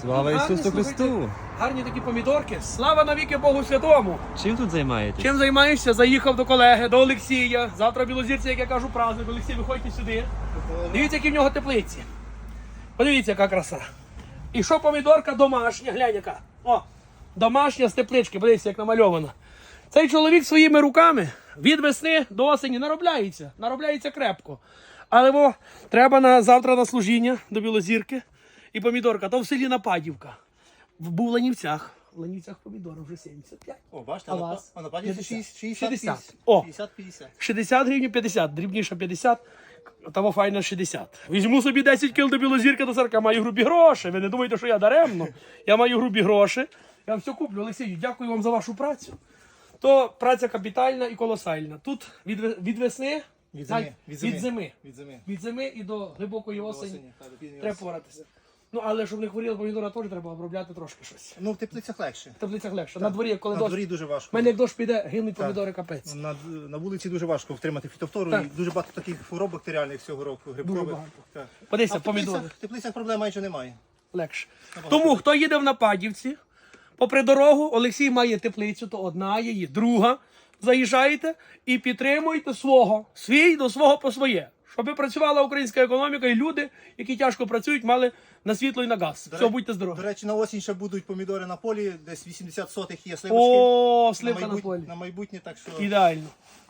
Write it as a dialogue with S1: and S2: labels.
S1: Слава Ісусу Христу!
S2: Гарні такі помідорки. Слава навіки Богу Святому!
S1: Чим тут займаєтесь?
S2: Чим займаєшся? Заїхав до колеги, до Олексія. Завтра білозірці, як я кажу, праздник. Олексій, виходьте сюди. Дивіться, які в нього теплиці. Подивіться, яка краса. І що помідорка домашня, глянь яка. О, домашня з теплички, подивіться, як намальована. Цей чоловік своїми руками від весни до осені наробляється крепко. Але треба завтра на служіння до Білозірки. І помідорка, то в селі Нападівка. Був в Ланівцях. В Ланівцях помідори вже 75.
S3: О, бачите,
S2: А вас?
S3: а на паді 60.
S2: 60. О.
S3: 50-50.
S2: 60 гривень 50, дрібніше 50, того файна 60. Візьму собі 10 кіл до Білозірки, до 40, маю грубі гроші. Ви не думайте, що я даремно. Я маю грубі гроші. Я вам все куплю. Олексію, дякую вам за вашу працю. То праця капітальна і колосальна. Тут від весни,
S3: Від
S2: зими і до глибокої осені
S3: осені.
S2: треба поратися. Ну, але щоб не хворіли помідора, теж треба обробляти трошки щось.
S3: Ну, в теплицях легше.
S2: В теплицях легше. На дворі, коли
S3: На
S2: дощ,
S3: дворі дуже
S2: в
S3: важко.
S2: мене як дощ піде, гинуть помідори капець.
S3: На вулиці дуже важко втримати фітофтору.
S2: Так.
S3: І дуже багато таких хвороб бактеріальних цього року, грибкових.
S2: багато.
S3: Так.
S2: Подивіться,
S3: А в
S2: помідори.
S3: теплицях проблем майже немає.
S2: Легше. Тому, хто їде в Нападівці, попри дорогу, Олексій має теплицю, то одна її, друга. Заїжджаєте і підтримуйте свій до свого по своє. Щоб працювала українська економіка і люди, які тяжко працюють, мали на світло і на газ. Все, будьте здорові.
S3: До речі, на осінь ще будуть помідори на полі, десь 80 сотих є сливочки.
S2: О, сливка на полі.
S3: На майбутнє, так що...
S2: Ідеально.